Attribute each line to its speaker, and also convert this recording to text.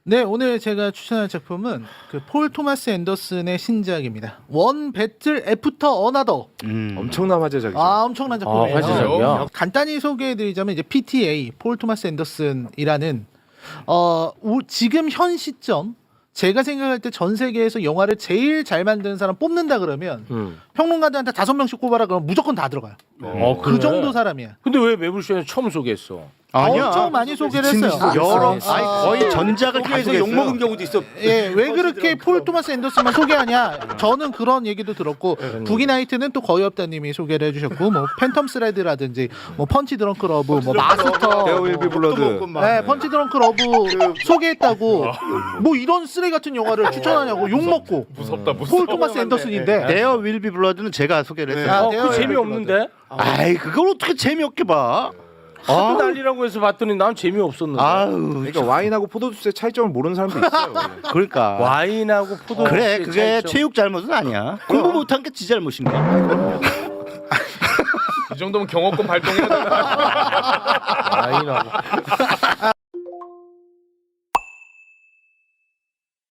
Speaker 1: 네, 오늘 제가 추천할 작품은 그 폴 토마스 앤더슨의 신작입니다. 원 배틀 애프터 어나더.
Speaker 2: 엄청난 화제작이죠.
Speaker 1: 아, 엄청난 작품이에요.
Speaker 3: 화제작이야?
Speaker 1: 간단히 소개해드리자면 이제 PTA 폴 토마스 앤더슨이라는 지금 현 시점 제가 생각할 때 전 세계에서 영화를 제일 잘 만드는 사람 뽑는다 그러면 평론가들한테 5명씩 꼽아라 그러면 무조건 다 들어가요. 그
Speaker 3: 그래?
Speaker 1: 정도 사람이야.
Speaker 3: 근데 왜 매불쇼에서 처음 소개했어?
Speaker 1: 엄청 많이 소개를 했어요.
Speaker 4: 여러 거의 전작을 다
Speaker 5: 소개해서
Speaker 4: 소개했어요.
Speaker 5: 욕먹은 경우도 있어.
Speaker 1: 예, 왜 그렇게 폴 토마스 앤더슨만 소개하냐? 저는 그런 얘기도 들었고 부기나이트는 또 거의 없다님이 소개를 해주셨고 뭐 팬텀 스레드라든지 뭐 펀치 드렁크 러브, 뭐 마스터,
Speaker 2: 데어 윌 비 블러드.
Speaker 1: 네, 펀치 드렁크 러브 소개했다고 뭐 이런 쓰레기 같은 영화를 추천하냐고 욕 먹고
Speaker 6: 무섭다.
Speaker 1: 폴 토마스 앤더슨인데
Speaker 4: 데어 윌비 블러드는 제가 소개를 했어요.
Speaker 1: 데어
Speaker 3: 그 재미없는데?
Speaker 4: 아이 그걸 어떻게 재미없게 봐?
Speaker 3: 하도 난리라고 해서 봤더니 난 재미없었는데.
Speaker 4: 아유,
Speaker 2: 그러니까 와인하고 포도주스의 차이점을 모르는 사람도 있어요. 원래.
Speaker 4: 그러니까.
Speaker 3: 와인하고 포도.
Speaker 4: 그래 그게 체육 잘못은 아니야. 공부 못한 게 지 잘못인가?
Speaker 6: 이 정도면 경호권 발동해야 된다.
Speaker 3: 와인하고.